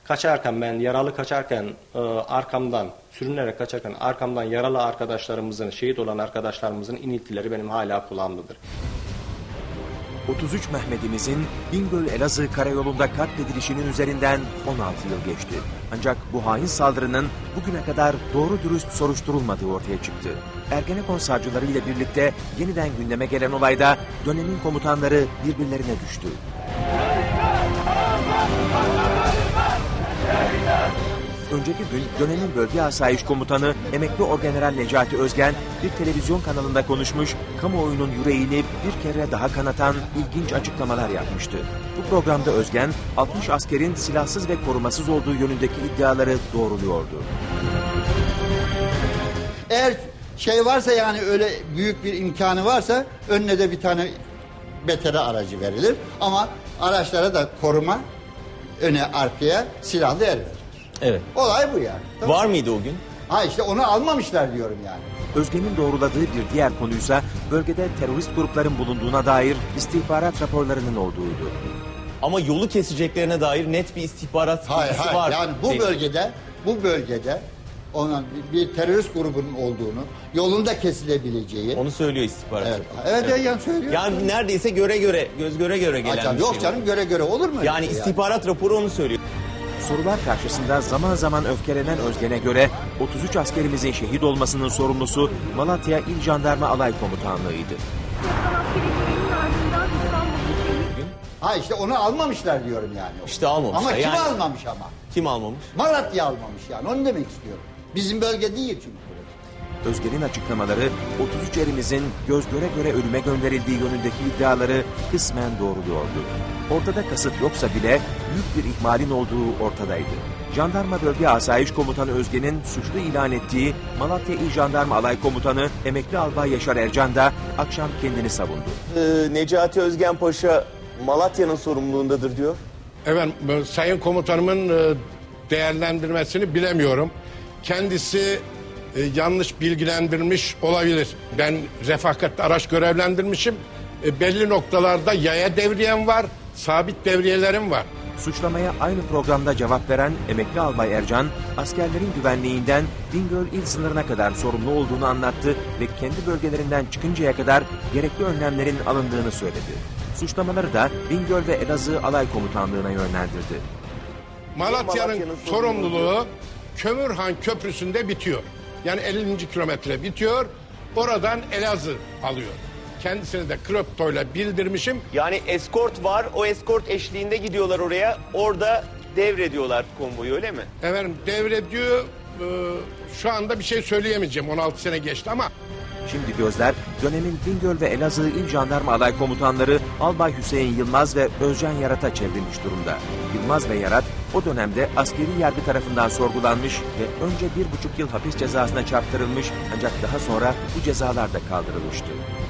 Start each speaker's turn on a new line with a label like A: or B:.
A: Kaçarken ben yaralı kaçarken arkamdan sürünerek kaçarken arkamdan yaralı arkadaşlarımızın, şehit olan arkadaşlarımızın iniltileri benim hala kulağımdadır.
B: 33 Mehmet'imizin Bingöl-Elazığ karayolunda katledilişinin üzerinden 16 yıl geçti. Ancak bu hain saldırının bugüne kadar doğru dürüst soruşturulmadığı ortaya çıktı. Ergenekon savcıları ile birlikte yeniden gündeme gelen olayda dönemin komutanları birbirlerine düştü. Önceki gün dönemin bölge asayiş komutanı emekli orgeneral Necati Özgen bir televizyon kanalında konuşmuş, kamuoyunun yüreğini bir kere daha kanatan ilginç açıklamalar yapmıştı. Bu programda Özgen, 60 askerin silahsız ve korumasız olduğu yönündeki iddiaları doğruluyordu.
C: Eğer şey varsa, yani öyle büyük bir imkanı varsa önüne de bir tane BTR aracı verilir. Ama araçlara da koruma, öne arkaya silahlı el verilir.
D: Evet.
C: Olay bu yani. Tamam.
D: Var mıydı o gün?
C: Ha işte onu almamışlar diyorum yani.
B: Özgen'in doğruladığı bir diğer konuysa bölgede terörist grupların bulunduğuna dair istihbarat raporlarının olduğuydu.
D: Ama yolu keseceklerine dair net bir istihbarat bilgisi var.
C: Yani bu bölgede onun bir terörist grubunun olduğunu, yolunda kesilebileceği.
D: Onu söylüyor istihbarat.
C: Evet. Yani söylüyor.
D: Yani neredeyse göz göre gelen bir
C: yok
D: şey.
C: Canım, göre olur mu?
D: Yani istihbarat raporu onu söylüyor.
B: Sorular karşısında zaman zaman öfkelenen Özgen'e göre 33 askerimizin şehit olmasının sorumlusu Malatya İl Jandarma Alay Komutanlığı'ydı.
C: Ha işte onu almamışlar diyorum yani.
D: İşte almamışlar.
C: Ama kim almamış ama?
D: Kim almamış?
C: Malatya almamış yani, onu demek istiyorum. Bizim bölge değil çünkü burası.
B: Özgen'in açıklamaları 33 erimizin göz göre ölüme gönderildiği yönündeki iddiaları kısmen doğruluyordu. Ortada kasıt yoksa bile büyük bir ihmalin olduğu ortadaydı. Jandarma Bölge Asayiş Komutanı Özgen'in suçlu ilan ettiği Malatya İl Jandarma Alay Komutanı Emekli Albay Yaşar Ercan da akşam kendini savundu.
D: Necati Özgen Paşa Malatya'nın sorumluluğundadır diyor.
E: Evet, Sayın Komutanımın değerlendirmesini bilemiyorum. Kendisi yanlış bilgilendirmiş olabilir. Ben refakatli araç görevlendirmişim. Belli noktalarda yaya devriyem var, sabit devriyelerim var.
B: Suçlamaya aynı programda cevap veren Emekli Albay Ercan, askerlerin güvenliğinden Bingöl il sınırına kadar sorumlu olduğunu anlattı ve kendi bölgelerinden çıkıncaya kadar gerekli önlemlerin alındığını söyledi. Suçlamaları da Bingöl ve Elazığ Alay Komutanlığı'na yönlendirdi.
E: Malatya'nın sorumluluğu Kömürhan Köprüsü'nde bitiyor. Yani 50. kilometre bitiyor. Oradan Elazığ alıyor. Kendisine de kriptoyla bildirmişim.
D: Yani eskort var. O eskort eşliğinde gidiyorlar oraya. Orada devrediyorlar konvoyu, öyle mi?
E: Efendim devrediyor. Şu anda bir şey söyleyemeyeceğim. 16 sene geçti ama.
B: Şimdi gözler dönemin Bingöl ve Elazığ İl Jandarma Alay Komutanları Albay Hüseyin Yılmaz ve Özcan Yarat'a çevrilmiş durumda. Yılmaz ve Yarat o dönemde askeri yargı tarafından sorgulanmış ve önce 1,5 yıl hapis cezasına çarptırılmış, ancak daha sonra bu cezalar da kaldırılmıştı.